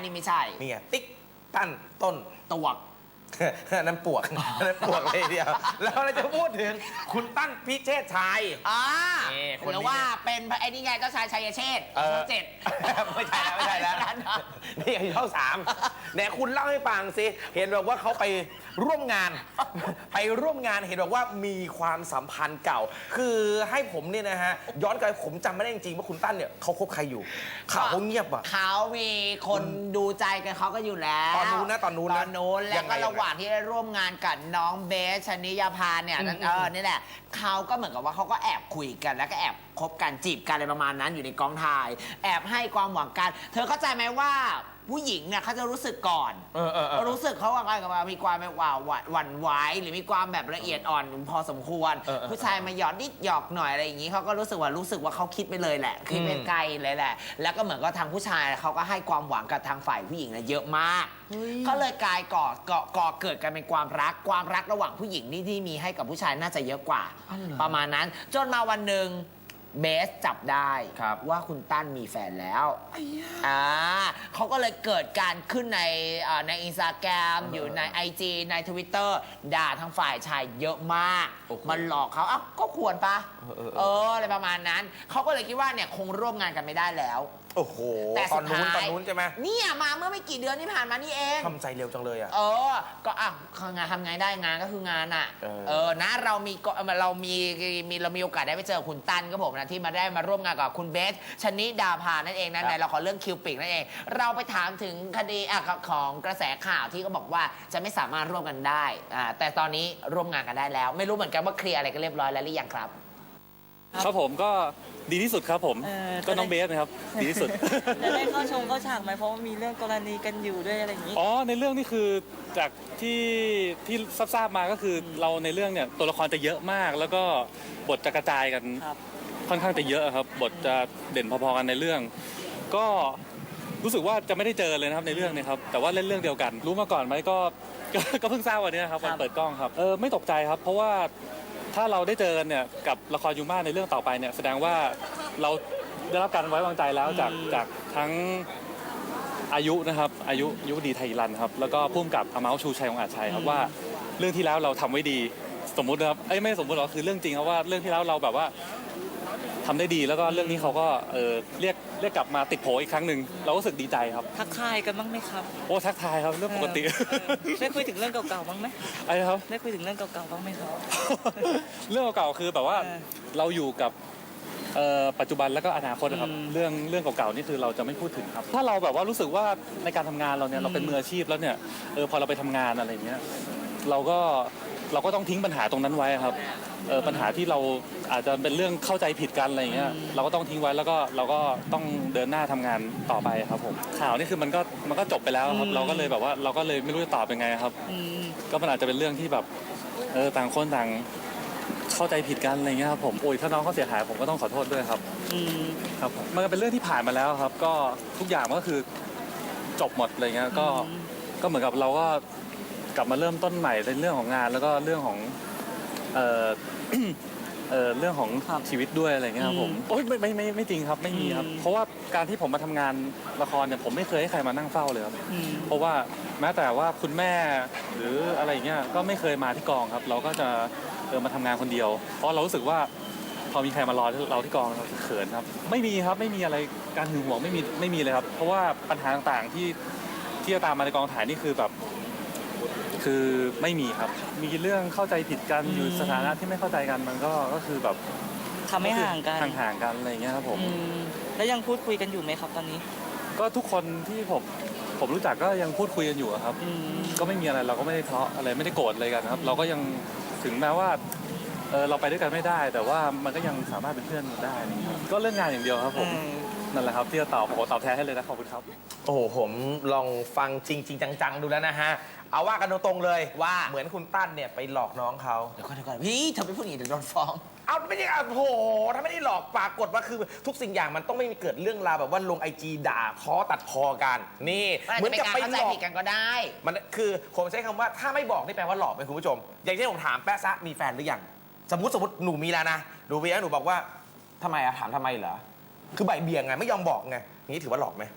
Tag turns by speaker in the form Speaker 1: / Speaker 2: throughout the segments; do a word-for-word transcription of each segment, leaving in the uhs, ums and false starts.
Speaker 1: นี่ไม่ใช่
Speaker 2: นี่ไงติ๊กตั้นต้น
Speaker 1: ตวก
Speaker 2: นั่นปวกนั่นปวกเลยเดียวแล้วเราจะพูดถึงคุณตั้นพิเชษชัย
Speaker 1: อ่า
Speaker 2: นี่คนนี้
Speaker 1: หรือว่าเป็นไอ้นี่ไงเจ้าชายชัยเชษฐ์ช่องเจ็ด
Speaker 2: ไม่ใช่แล้วไม่ใช่แล้วนี่ไอ้ช่องสามไหนคุณเล่าให้ฟังสิเห็นบอกว่าเขาไปร่วมงาน ไปร่วมงานเห็นบอกว่ามีความสัมพันธ์เก่า คือให้ผมเนี่ยนะฮะย้อนกลับไปผมจำไม่ได้จริงๆว่าคุณตั้นเนี่ยเขาคบใครอยู่ข่าวเขาเงียบอ่ะ
Speaker 1: เขามีคนดูใจกันเขาก็อยู่แล้ว
Speaker 2: ตอนนู้นนะตอนนู้นนะ
Speaker 1: ตอนนู้นแล้วก็ระหว่างที่ได้ร่วมงานกับน้องเบสชนิยาภาเนี่ยนั่นเออนี่แหละเขาก็เหมือนกับว่าเขาก็แอบคุยกันแล้วก็แอบคบกันจีบกันอะไรประมาณนั้นอยู่ในกองถ่าย แอบให้ความหวังกัน เธอเข้าใจไหมว่าผู้หญิงเนี่ยเขาจะรู้สึกก่อน
Speaker 2: เออเออเออ
Speaker 1: รู้สึกเขาว่าอะไรกับมีความแบบว่าหวั่นไหวหรือมีความแบบละเอียดอ่อนพอสมควร
Speaker 2: เออเออ
Speaker 1: ผู้ชายมาหยอดนิดหยอกหน่อยอะไรอย่างนี้เขาก็รู้สึกว่ารู้สึกว่าเขาคิดไปเลยแหละคิดไปไกลเลยแหละ แล้วก็เหมือนกับทางผู้ชายเขาก็ให้ความหวังกับทางฝ่ายผู้หญิงเนี่ยเยอะมากก็เลยกลายก่อก่อก่อเกิดกันเป็นความรักความรักระหว่างผู้หญิงนี่ที่มีให้กับผู้ชายน่าจะเยอะกว่า ประมาณนั้นจนมาวันหนึ่งเบสจับได้ว่าคุณตั้นมีแฟนแล้วอ่าเขาก็เลยเกิดการขึ้นในอ่าในอินสตาแกรมอยู่ใน ไอ จี ใน ทวิตเตอร์ ด่าทางฝ่ายชายเยอะมาก มันหลอกเขาอ้าวก็ควรปะเอออะไรประมาณนั้นเขาก็เลยคิดว่าเนี่ยคงร่วมงานกันไม่ได้แล้ว
Speaker 2: โอ้โห
Speaker 1: แต่
Speaker 2: ต
Speaker 1: สุ
Speaker 2: อน
Speaker 1: ด
Speaker 2: นู้น
Speaker 1: ท้าย
Speaker 2: ตอนนู้นใช่ไหม
Speaker 1: เนี่ยมาเมื่อไม่กี่เดือนที่ผ่านมานี่เอง
Speaker 2: ทำใจเร็วจังเลยอ่ะ
Speaker 1: เออ ก็อ่ะงานทำไงได้งานก็คืองานอ่ะ
Speaker 2: เออ
Speaker 1: เออ นะ เรามีก็เรามีมีเรามีโอกาสได้ไปเจอคุณตั้นก็ผมนะที่มาได้มาร่วมงานกับคุณเบสชนิดาภานั่นเองนะในละครเรื่องคิวปิกนั่นเอง เราไปถามถึงคดีอ่ะของกระแสข่าวที่เขาบอกว่าจะไม่สามารถร่วมกันได้อ่าแต่ตอนนี้ร่วมงานกันได้แล้ว ไม่รู้เหมือนกันว่าเคลียร์อะไรกันเรียบร้อยแล้วหรือยังครับ
Speaker 3: ครับผมก็ดีที่สุดครับผม
Speaker 4: เออ
Speaker 3: ก็น้องเบสนะครับดีที่สุด
Speaker 4: จะได้เข้าชมเข้าฉากไหมเพราะว่ามีเรื่องกรณีกันอยู่ด้วยอะไรอย่างนี้
Speaker 3: อ๋อในเรื่องนี่คือจากที่ที่ทราบๆมาก็คือเราในเรื่องเนี่ยตัวละครจะเยอะมาก แล้วก็บทจะกระจายกัน
Speaker 4: ครับ
Speaker 3: ค่อนข้างจะเยอะครับ บทจะเด่นพอๆกันในเรื่อง ก็รู้สึกว่าจะไม่ได้เจอเลยนะครับในเรื่องนี้ครับแต่ว่าเล่นเรื่องเดียวกัน รู้มาก่อนไหมก็ก็ก็เพิ่งทราบวันนี้ครับวันเปิดกล้องครับเออไม่ตกใจครับ เพราะว่าถ้าเราได้เจอกันเนี่ยกับละครยูมาในเรื่องต่อไปเนี่ยแสดงว่าเราได้รับการไว้วางใจแล้วจากจากทั้งอายุนะครับอายุยุดีไทยรันครับแล้วก็พุ่มกับอเมาชูชัยองค์อาจชัยครับว่าเรื่องที่แล้วเราทำไว้ดีสมมุตินะครับเอ้ยไม่สมมุติหรอกคือเรื่องจริงครับว่าเรื่องที่แล้วเราแบบว่าทำได้ดีแล้วก็เรื่องนี้เขาก็เออเรียกเรียกกลับมาติดโผอีกครั้งหนึ่งเราก็รู้สึกดีใจครับ
Speaker 4: ทักทายกันบ้างไหมครับ
Speaker 3: โอ้ทักทายครับเรื่องปกติ
Speaker 4: เออเออได้คุยถึงเรื่องเก่าๆบ้างไหม
Speaker 3: อะไรครับ
Speaker 4: ได้คุยถึงเรื่องเก่าๆบ้างไหมครับ
Speaker 3: เรื่องเก่าๆคือแบบว่า
Speaker 4: เออ
Speaker 3: เราอยู่กับเอ่อปัจจุบันแล้วก็อนาคตนะครับ
Speaker 4: อืม
Speaker 3: เรื่องเรื่องเก่าๆนี่คือเราจะไม่พูดถึงครับ ถ้าเราแบบว่ารู้สึกว่าในการทำงานเราเนี่ย
Speaker 4: อืม
Speaker 3: เราเป็นมืออาชีพแล้วเนี่ยเออพอเราไปทำงานอะไรอย่างเงี้ยเราก็เราก็ต้องทิ้งปัญหาตรงนั้นไว้ครับเออปัญหาที่เราอาจจะเป็นเรื่องเข้าใจผิดกันอะไรอย่างเงี้ยเราก็ต้องทิ้งไว้แล้วก็เราก็ต้องเดินหน้าทำงานต่อไปครับผมข่าวนี่คือมันก็มันก็จบไปแล้วครับเราก็เลยแบบว่าเราก็เลยไม่รู้จะตอบยังไงครับ
Speaker 4: อืม
Speaker 3: ก็มันอาจจะเป็นเรื่องที่แบบเออต่างคนต่างเข้าใจผิดกันอะไรเงี้ยครับผมโอ้ยถ้าน้องเขาเสียหายผมก็ต้องขอโทษด้วยครับ
Speaker 4: อืม
Speaker 3: ครับผมมันก็เป็นเรื่องที่ผ่านมาแล้วครับ ก็ทุกอย่างมันก็คือจบหมดอะไรเงี้ยก็
Speaker 4: อืม
Speaker 3: ก็เหมือนกับเราก็กลับมาเริ่มต้นใหม่ในเรื่องของงาน แล้วก็เรื่องของเออ เออเรื่องของ
Speaker 4: ครับ
Speaker 3: ชีวิตด้วยอะไรเงี้ยครับผม
Speaker 4: อืม
Speaker 3: โอ้ยไม่ไม่ไม่ไม่จริงครับไม่มีครับ
Speaker 4: อืม
Speaker 3: เพราะว่าการที่ผมมาทำงานละครเนี่ยผมไม่เคยให้ใครมานั่งเฝ้าเลยครับ
Speaker 4: อืม
Speaker 3: เพราะว่าแม้แต่ว่าคุณแม่หรืออะไรอย่างเงี้ยก็ไม่เคยมาที่กองครับ เราก็จะเออมาทำงานคนเดียว เพราะเรารู้สึกว่าพอมีใครมารอเราที่กองเราจะเขินครับ ไม่มีครับไม่มีอะไรการหึงหวงไม่มีไม่มีเลยครับ เพราะว่าปัญหาต่างๆที่ที่จะตามมาในกองถ่ายนี่คือแบบ คือไม่มีครับ มีเรื่องเข้าใจผิดกันอยู่สถานะที่ไม่เข้าใจกันมันก็ก็คือแบบ
Speaker 4: ทำให้ห่างกัน
Speaker 3: ห่างๆกันอะไรอย่างเงี้ยครับผม
Speaker 4: อืมแล้วยังพูดคุยกันอยู่ไหมครับตอนนี้
Speaker 3: ก็ทุกคนที่ผมผมรู้จักก็ยังพูดคุยกันอยู่อะครับ
Speaker 4: อืม
Speaker 3: ก็ไม่มีอะไรเราก็ไม่ได้ทะเลาะอะไรไม่ได้โกรธอะไรกันครับ เราก็ยังถึงแม้ว่าเออเราไปด้วยกันไม่ได้ แต่ว่ามันก็ยังสามารถเป็นเพื่อนกันได้อะไรอย่างเงี้ยครับก็เรื่องงานอย่างเดียวครับผม
Speaker 4: เออ
Speaker 3: นั่นแหละครับที่จะตอบผมขอตอบแทนให้เลยนะขอบคุณครับ
Speaker 2: โอ้โหผมลองฟังจริงจริงจังๆดูแล้วนะฮะเอาว่ากันตรงๆเลย
Speaker 1: ว่า
Speaker 2: เหมือนคุณตั้นเนี่ยไปหลอกน้องเขา
Speaker 1: เดี๋ยวก่อนเดี๋ยวก่อนพี่เธอไปพูดอย่างนี้เดี๋ยวโดนฟ้อง
Speaker 2: เอาไม่ได้เอาโอ้โหถ้าไม่ได้หลอกปรากฏว่าคือทุกสิ่งอย่างมันต้องไม่มีเกิดเรื่องราวแบบว่าลงไอจีด่าท้อตัดพอกันนี่
Speaker 1: มันอาจ
Speaker 2: เหมื
Speaker 1: จะ
Speaker 2: อน
Speaker 1: เป็น
Speaker 2: กับ
Speaker 1: การ
Speaker 2: ไป
Speaker 1: เข้าใจ
Speaker 2: หลอก
Speaker 1: ผิดกันก็ได้
Speaker 2: มันคือผมใช้คำว่าถ้าไม่บอกนี่แปลว่าหลอกไหมคุณผู้ชม อย่างเช่นผมถามแป๊ะซะมีแฟนหรือยังสมมติสมมติหนูมีแล้วนะหนูมีแล้วหนูบอกว่าทำไมอะถามทำไมเหรอคือใบายเบี่ยงไงไม่ยอมบอกไงอย่างนี้ถือว่าหลอกไหม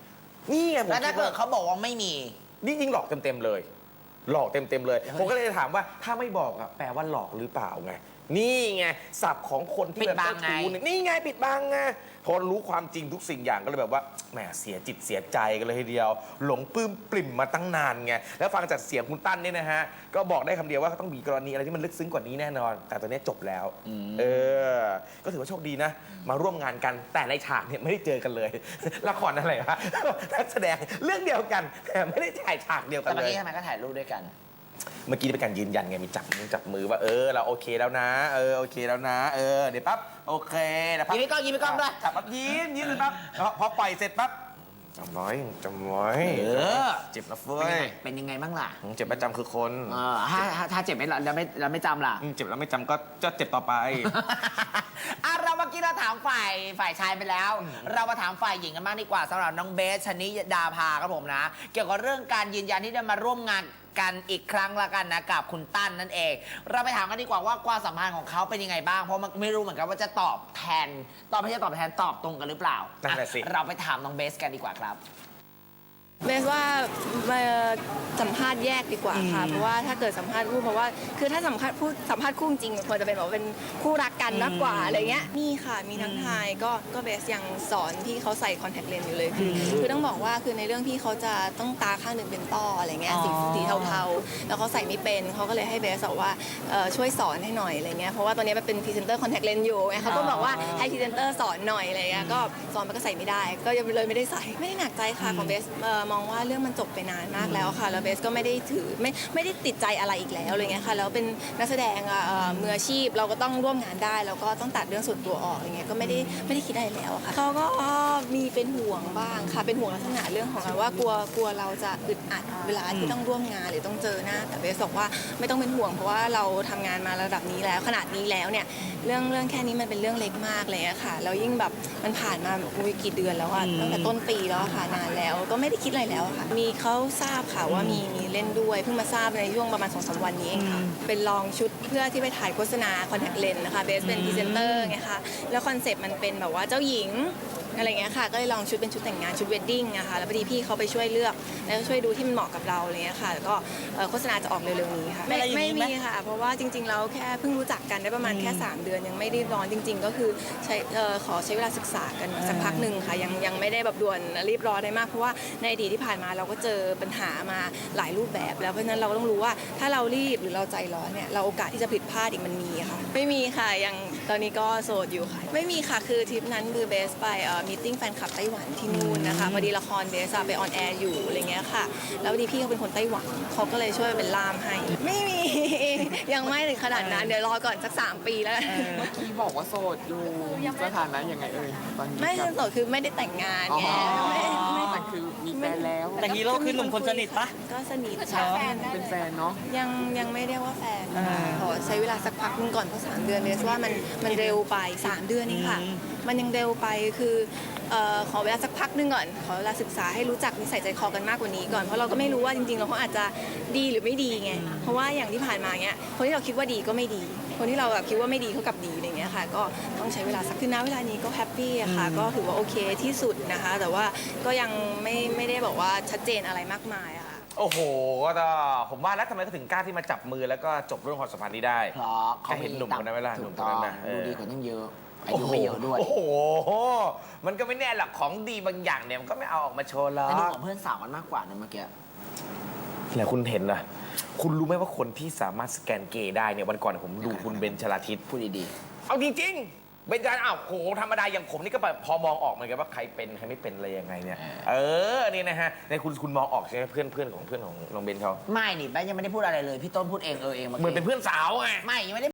Speaker 2: นี่ไงผม
Speaker 1: แล้วถ้า
Speaker 2: คิด
Speaker 1: เกิ
Speaker 2: ว่า
Speaker 1: ดเขาบอกว่าไม่มี
Speaker 2: นี่ยิ่งหลอกเต็มๆเลย หลอกเต็มๆเลย ผมก็เลยถามว่าถ้าไม่บอกอะแปลว่าหลอกหรือเปล่าไง นี่ไงศัพท์ของคนที่
Speaker 1: ปิ
Speaker 2: แบ
Speaker 1: ด
Speaker 2: บ
Speaker 1: บั
Speaker 2: เจ้าง
Speaker 1: ไง
Speaker 2: ชู้เนี่ยนี่ไงปิดบังไงพอรู้ความจริงทุกสิ่งอย่างก็เลยแบบว่าแหมเสียจิตเสียใจกันเลยทีเดียว หลงปลื้มปริ่มมาตั้งนานไงแล้วฟังจากเสียงคุณตั้นเนี่ยนะฮะก็บอกได้คำเดียวว่าต้องมีกรณีอะไรที่มันลึกซึ้งกว่านี้แน่นอน แต่ตอนนี้จบแล้วเออก็ถือว่าโชคดีนะ มาร่วมงานกันแต่ในฉากเนี่ยไม่ได้เจอกันเลย ละครอะไรวะ นักแสดงเรื่องเดียวกันแต่ไม่ได้ถ่ายฉากเดียวกั
Speaker 1: แต่
Speaker 2: น
Speaker 1: เมื่อ
Speaker 2: เลย
Speaker 1: กี้ทำไมก็ถ่ายรูปด้วยกัน
Speaker 2: เมื่อกี้เป็นการยืนยันไงมีจับมือจับมือว่าเออเราโอเคแล้วนะ เออโอเคแล้วนะ เออเดี๋ยวปั๊บโอเคนะปั๊บ
Speaker 1: ยิ้มให้กล้องยิ้มให้กล้องด้วย
Speaker 2: จับปั๊บยิ้มยิ้มเลยปั๊บแล้วพอปล่อยเสร็จปั๊บจำไว้จำไว้
Speaker 1: เออ
Speaker 2: เจ็บนะเฟ้
Speaker 1: เป็นยัง
Speaker 2: ย
Speaker 1: ไงเป็นยังไงบ้างล่ะ
Speaker 2: เจ็บประจำคือคน
Speaker 1: เออถ้าถ้าถ้าเจ็บไม่แล้วไม่แล้วไม่จำล่ะ
Speaker 2: อืมเจ็บแล้วไม่จำก็จะเจ็บต่อไป
Speaker 1: อ่ะเราเมื่อกี้เราถามฝ่ายฝ่ายชายไปแล้ว เรามาถามฝ่ายหญิงกันบ้างดีกว่าสำหรับน้องเบสชนิดาภาครับผมนะ เกี่ยวกับเรื่องการยืนยันที่จะมาร่วมงานกันอีกครั้งละกันนะกับคุณตั้นนั่นเอง เราไปถามกันดีกว่าว่าความสัมพันธ์ของเขาเป็นยังไงบ้างเพราะมันไม่รู้เหมือนกันว่าจะตอบแทนตอบไม่ใช่ตอบแทนตอบตรงกันหรือเปล่า
Speaker 2: นั่นแหละสิ
Speaker 1: อ่ะเราไปถามน้องเบสกันดีกว่าครับ
Speaker 5: เบสว่ามาสัมภาษณ์แยกดีกว่าค่ะ เพราะว่าถ้าเกิดสัมภาษณ์คู่เพราะว่าคือถ้าสัมภาษณ์พูดสัมภาษณ์คู่จริงควรจะเป็นแบบว่าเป็นคู่รักกันมากกว่าอะไรเงี้ยมีค่ะมีทั้งทายก็ก็เบสยังสอนพี่เขาใส่คอนแทคเลนส์อยู่เลยคือคือต้องบอกว่าคือในเรื่องพี่เขาจะต้องตาข้างหนึ่งเป็นต้ออะไรเงี้ยสีสีเทาๆแล้วเขาใส่ไม่เป็นเขาก็เลยให้เบสบอกว่าเอ่อช่วยสอนให้หน่อยอะไรเงี้ยเพราะว่าตอนนี้มันเป็นพรีเซนเตอร์คอนแทคเลนส์อยู่ไงเขาก็บอกว่าให้พรีเซนเตอร์สอนหน่อยอะไรเงี้ยก็สอนมันก็ใส่ไม่ได้ ก็ยังเลยไม่ได้ใส่ไม่ได้หนักใจค่ะของเบสเอ่อมองว่าเรื่องมันจบไปนานมากแล้วค่ะแล้วเบสก็ไม่ได้ถือไม่ไม่ได้ติดใจอะไรอีกแล้วอะไรเงี้ยค่ะแล้วเป็นนักแสดงอ่ะเอ่อมืออาชีพเราก็ต้องร่วมงานได้แล้วก็ต้องตัดเรื่องส่วนตัวออกอะไรเงี้ยก็ไม่ได้ไม่ได้คิดอะไรแล้วอะค่ะเขาก็มีเป็นห่วงบ้างค่ะเป็นห่วงลักษณะเรื่องของการว่ากลัวกลัวเราจะอึดอัดเวลาที่ต้องร่วมงานหรือต้องเจอหน้าแต่เบสบอกว่าไม่ต้องเป็นห่วงเพราะว่าเราทำงานมาระดับนี้แล้วขนาดนี้แล้วเนี่ยเรื่องเรื่องแค่นี้มันเป็นเรื่องเล็กมากเลยอะค่ะแล้วยิ่งแบบมันผ่านมาอุ้ยกี่เดือนแล้วอะตั้งแต่ต้นปีแล้วอะค่ะนานแล้วก็ไม่ได้คิดอะไรแล้วอะค่ะมีเขาทราบค่ะว่ามีมีเล่นด้วยเพิ่งมาทราบในช่วงประมาณสองสามวันนี้เองค่ะเป็นลองชุดเพื่อที่ไปถ่ายโฆษณาคอนแทคเลนส์นะคะเบสเป็นพรีเซนเตอร์ไงคะแล้วคอนเซปต์มันเป็นแบบว่าเจ้าหญิงอะไรเงี้ยค่ะก็เลยลองชุดเป็นชุดแต่งงานชุดเวดดิ้งนะคะแล้วพอดีพี่เขาไปช่วยเลือกแล้วก็ช่วยดูที่มันเหมาะกับเราอะไรเงี้ยค่ะแล้วก็เอ่อโฆษณาจะออกเร็วๆนี้ค่ะไม่ไม่มีค่ะ เพราะว่าจริงๆแล้วแค่เพิ่งรู้จักกันได้ประมาณแค่สามเดือนยังไม่ได้ร้อนจริง ๆ ก็คือใช้เอ่อขอใช้เวลาศึกษากันสักพักหนึ่งค่ะยังยังไม่ได้แบบด่วนรีบร้อนได้มากเพราะว่าในอดีตที่ผ่านมาเราก็เจอปัญหามาหลายรูปแบบแล้วเพราะฉะนั้นเราก็ต้องรู้ว่าถ้าเรารีบหรือเราใจร้อนเนี่ยเราโอกาสที่จะผิดพลาดอีกมันมีค่ะไม่มีค่ะยังตอนนี้ก็โสดอยู่ค่ะไม่มีค่ะคือทริปนั้นคือเบสไปเอ่อมีตติ้งแฟนคลับไต้หวันที่นู่นนะคะพอดีละครเบสอะไปออนแอร์อยู่อะไรเงี้ยค่ะแล้วพอดีพี่เขาเป็นคนไต้หวันเขาก็เลยช่วยเป็นล่ามให้ไม่มี ยังไม่ถึงขนาดนั้นเดี๋ยวรอก่อนสักสามปีแล้วกัน
Speaker 6: เมื่อกี้บอกว่าโสดอยู่สถานะยังไงเอ่ยตอนนี้
Speaker 5: ไม่
Speaker 6: กับ
Speaker 5: โสดคือไม่ได้แต่งงานไงไม่ไม่
Speaker 6: แต่คือมีแฟนแล้ว
Speaker 4: แต่ฮีโร่คือหนุ่มคนสนิทปะ
Speaker 5: ก็สนิท
Speaker 6: เป็นแฟนเนาะ
Speaker 5: ยังยังไม่เรียกว่าแฟนขอใช้เวลาสักพักหนึงก่อนเพราะสามเดือนเบสว่ามันมันเร็วไปสามเดือนนี่ค่ะ มันยังเร็วไปคือเอ่อขอเวลาสักพักหนึงก่อนขอเวลาศึกษาให้รู้จักนิสัยใจคอกันมากกว่านี้ก่อนเพราะเราก็ไม่รู้ว่าจริงๆเราเขาอาจจะดีหรือไม่ดีไงเพราะว่าอย่างที่ผ่านมาเนี้ยคนที่เราคิดว่าดีก็ไม่ดี คนที่เราแบบคิดว่าไม่ดีเขากลับดีอะไรเงี้ยค่ะก็ต้องใช้เวลาสักคือณเวลานี้ก็แฮปปี้อะค่ะก็ถือว่าโอเคที่สุดนะคะ แต่ว่าก็ยังไม่ไม่ได้บอกว่าชัดเจนอะไรมากมายอะค่ะ
Speaker 2: โอ้โหก็ผมว่าแล้วทำไมเขาถึงกล้าที่มาจับมือแล้วก็จบเรื่องความสัมพันธ์นี้ได้
Speaker 1: เพราะ
Speaker 2: แค่เห็นหนุ่มคนนั้นไหมล่ะห
Speaker 1: ถู
Speaker 2: นุ่ม
Speaker 1: ก
Speaker 2: คน
Speaker 1: ต้อ
Speaker 2: นั้
Speaker 1: ง
Speaker 2: นนะเอ
Speaker 1: ดู
Speaker 2: อ
Speaker 1: ดีกว่าตั้งเยอะอายุไม่เยอะด้วย
Speaker 2: โอ้โห มันก็ไม่แน่หรอกของดีบางอย่างเนี่ยมันก็ไม่เอาออกมาโชว์หรอก
Speaker 1: แต่ดูของเพื่อนสาวกันมากกว่านะเมื่อกี้
Speaker 2: แล้วคุณเห็นนะคุณรู้ไหมว่าคนที่สามารถสแกนเกย์ได้เนี่ยวันก่อนผมดูคุณเบนชลาทิศ
Speaker 1: พูดดี
Speaker 2: เอาจริงๆเบนจลาอ้าวโหธรรมดาอย่างผมนี่ก็แบบพอมองออกเหมือนกันว่าใครเป็นใครไม่เป็นอะไรยังไงเนี่ยเออนี่นะฮะในคุณคุณมองออกใช่ไหมเพื่อนเพื่อนของเพื่อนของน้องเบนเขา
Speaker 1: ๆไม่นี่แม่ยังไม่ได้พูดอะไรเลย พี่ต้นพูดเองเออเอง
Speaker 2: เหมือนเป็นเพื่อนสาวไง
Speaker 1: ไม่ยังไม่ได้